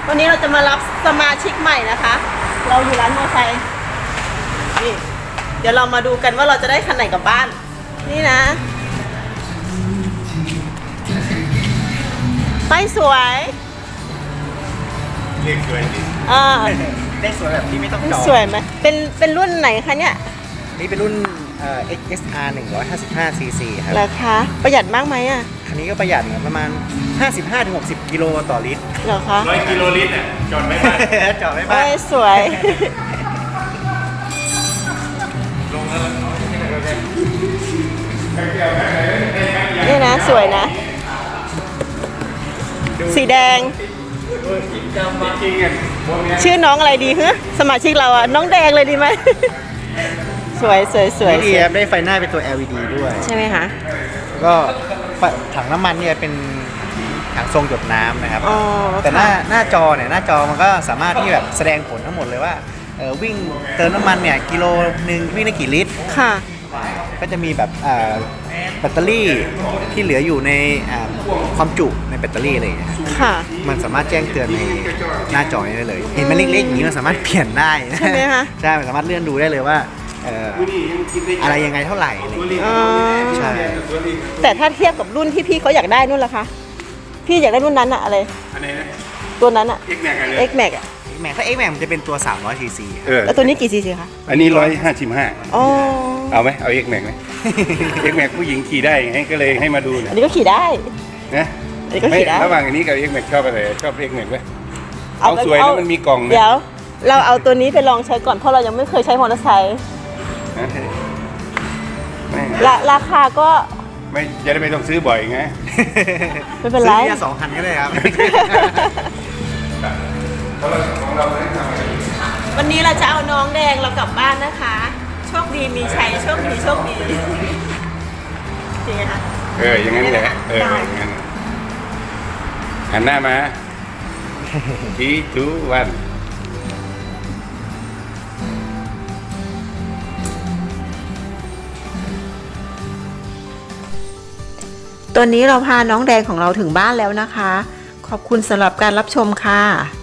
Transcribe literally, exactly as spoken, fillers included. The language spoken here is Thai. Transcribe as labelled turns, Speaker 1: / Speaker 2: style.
Speaker 1: วันนี้เราจะมารับสมาชิกใหม่นะคะ เราอยู่ร้านมอเตอร์ไซค์นี่เดี๋ยวเรามาดูกันว่าเราจะได้คันไหนกลับบ้านนี่นะไปสวย
Speaker 2: เรียกสวยดิ
Speaker 1: อ่า
Speaker 3: ได้สวยแบบที่ไม่ต้องจอด
Speaker 1: สวยไหมเป็นเป็นรุ่นไหนคะเนี่ย
Speaker 3: นี่เป็นรุ่นเอ่อ เอ็กซ์ เอส อาร์ หนึ่งร้อยห้าสิบห้า ซี ซี ครับ
Speaker 1: ราคาประหยัดมากไหมอ่ะ
Speaker 3: คันนี้ก็ประหยัดประมาณ ห้าสิบห้าถึงหกสิบ กิโลต่อลิตร
Speaker 1: เหรอคะ
Speaker 2: ร้อยกิโลลิตรอ่ะจอดไม่ได้
Speaker 3: จอดไม่
Speaker 1: โอ้
Speaker 3: บ้าน
Speaker 1: ยสวย
Speaker 2: ลงแล้ว
Speaker 1: นี่นะสวยนะ สีแดง
Speaker 2: จริงๆอ่ะพวกเนี้ย
Speaker 1: ชื่อน้องอะไรดีฮะสมาชิกเราอ่ะน้องแดงเลยดีไหม สวยสวยสวย
Speaker 3: นี่ดีครับได้ไฟหน้าเป็นตัว แอล อี ดี ด้วย
Speaker 1: ใช่ไหมคะ
Speaker 3: ก็ไฟถังน้ำมันเนี่ยเป็นถังทรงหยดน้ำนะครับ
Speaker 1: อ๋อ
Speaker 3: แต่หน้า
Speaker 1: ค่ะ
Speaker 3: หน้าจอเนี่ยหน้าจอมันก็สามารถที่แบบแสดงผลทั้งหมดเลยว่าเออวิ่งเติมน้ำมันเนี่ยกิโลหนึ่งวิ่งได้กี่ลิตร
Speaker 1: ค่ะ
Speaker 3: ก็จะมีแบบอ่าแบตเตอรี่ที่เหลืออยู่ในอ่าความจุในแบตเตอรี่อะไรอย่างเงี้ย
Speaker 1: ค่ะ
Speaker 3: มันสามารถแจ้งเตือนในหน้าจอนี้ได้เลย เห็นมันเล็กๆอย่างนี้มันสามารถเปลี่ยนได้
Speaker 1: ใช่ไหมคะ
Speaker 3: ใช่ มันสามารถเลื่อนดูได้เลยว่าเอ่ออะไรยังไงเท่าไหร่อะไรอย่างเงี้ย
Speaker 1: อ๋อ
Speaker 3: ใช่
Speaker 1: แต่ถ้าเทียบกับรุ่นที่พี่เขาอยากได้นู่นล่ะคะ พี่อยากได้รุ่นนั้นอะอะไร
Speaker 2: อันไหนนะ
Speaker 1: ตัวนั้นอะ
Speaker 2: เอ็กแม็กอะไร
Speaker 1: X Max อะ
Speaker 3: แม็กถ้า X Max มันจะเป็นตัว สามร้อย ซี ซี
Speaker 2: เออ
Speaker 1: แล้วตัวนี้กี่ซีซีคะ
Speaker 2: อันนี้ร้อยห้าสิบห้า
Speaker 1: อ๋อ
Speaker 2: เอาไหมเอาเอ็กแม็กไหมเอ็กแม็กผู้หญิงขี่ได้ให้ก็เลยให้มาดู
Speaker 1: อัน
Speaker 2: นะ
Speaker 1: นี้ก็ขี่ได้
Speaker 2: นะ
Speaker 1: อันนี้ก็
Speaker 2: ไม่
Speaker 1: ขี่ได้
Speaker 2: ระหว่างอันนี้กับเอ็กแม็กชอบอะไรชอบเอ็กแม็กไหม
Speaker 1: เอา
Speaker 2: เอาสวยแล้วมันมีกล่องนะ
Speaker 1: เดี๋ยว เราเอาตัวนี้ไปลองใช้ก่อนเพราะเรายังไม่เคยใช้มอเตอร์ไซค์
Speaker 2: นะไม่
Speaker 1: ราราคาก็
Speaker 2: ไม่จะได้ไม่ต้องซื้อบ่อยไง
Speaker 1: ไม่เป็นไร
Speaker 3: ซื้อทีละสองคันก็ได้ครับ
Speaker 2: เพราะเราของเราไม่ได้ทำอะไร
Speaker 1: วันนี้เราจะเอาน้องแดงเรากลับบ้านนะคะ โชคดีมีชัยโชคดีโชคดีจริงไหมคะ
Speaker 2: เอออย่างนั้นแหละเอออย่างนั้นหันหน้ามาทีทูวัน
Speaker 1: ตอนนี้เราพาน้องแดงของเราถึงบ้านแล้วนะคะ ขอบคุณสำหรับการรับชมค่ะ